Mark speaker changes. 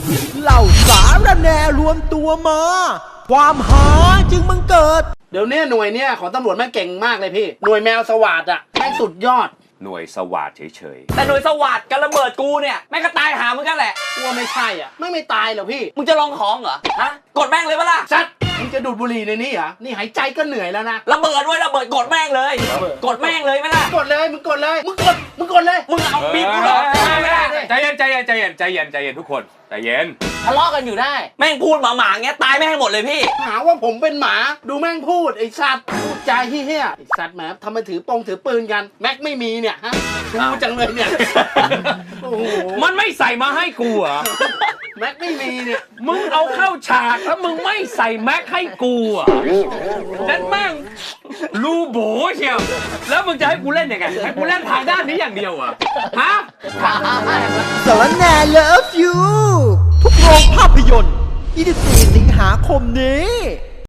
Speaker 1: เหล่าสารแหน่รวมตัวมา ความหาจึงบังเกิด
Speaker 2: เดี๋ยวนี้หน่วยเนี่ยของตำรวจแม่งเก่งมากเลยพี่หน่วยแมวสวาดอ่ะแม่งสุดยอด
Speaker 3: หน่วยสวัสดเฉย
Speaker 4: แต่หน่วยสวัสดกับระเบิดกูเนี่ยแม่งก็ตายหามึงกันแหละ
Speaker 2: กลัวไม่ใช่อ่ะไม่ตายหรอกพี่
Speaker 4: มึงจะลองของเหรอฮะกดแม่งเลยปะล่ะ
Speaker 2: ซัดมึงจะดูดบุหรี่ในนี้เหรอนี่หายใจก็เหนื่อยแล้วนะ
Speaker 4: ระเบิดด้วยระเบิดกดแม่งเลยกดแม่งเลยไหมล่ะ
Speaker 2: กดเลยมึงกดเลยมึงกดเลย
Speaker 4: มึงเอาบีบกูหรอ
Speaker 3: ใจเย็นทุกคนใจเย็น
Speaker 4: ทะเลาะกันอยู่ได้แม่งพูดหมาๆเงี้ยตายไม่ให้หมดเลยพี่
Speaker 2: หาว่าผมเป็นหมาดูแม่งพูดไอ้สัตว์พูดใจเฮี้ยไอ้สัตว์แหมทำไมถือปืนกันแม็กไม่มีเนี่ยฮะชูจังเลยเนี่ยโอ้โห
Speaker 3: มันไม่ใส่มาให้กูเหรอ
Speaker 2: แม็กไม่มีเนี่ย
Speaker 3: มึงเอาเข้าฉากแล้วมึงไม่ใส่แม็กให้กูอ่ะนั่นแม่งรูโบเชียวแล้วมึงจะให้กูเล่นยังไงให้กูเล่นทางด้านนี้อย่างเดียวอ่ะฮะ
Speaker 1: สารแหน่ Love You ทุกโรงภาพยนตร์24 สิงหาคมนี้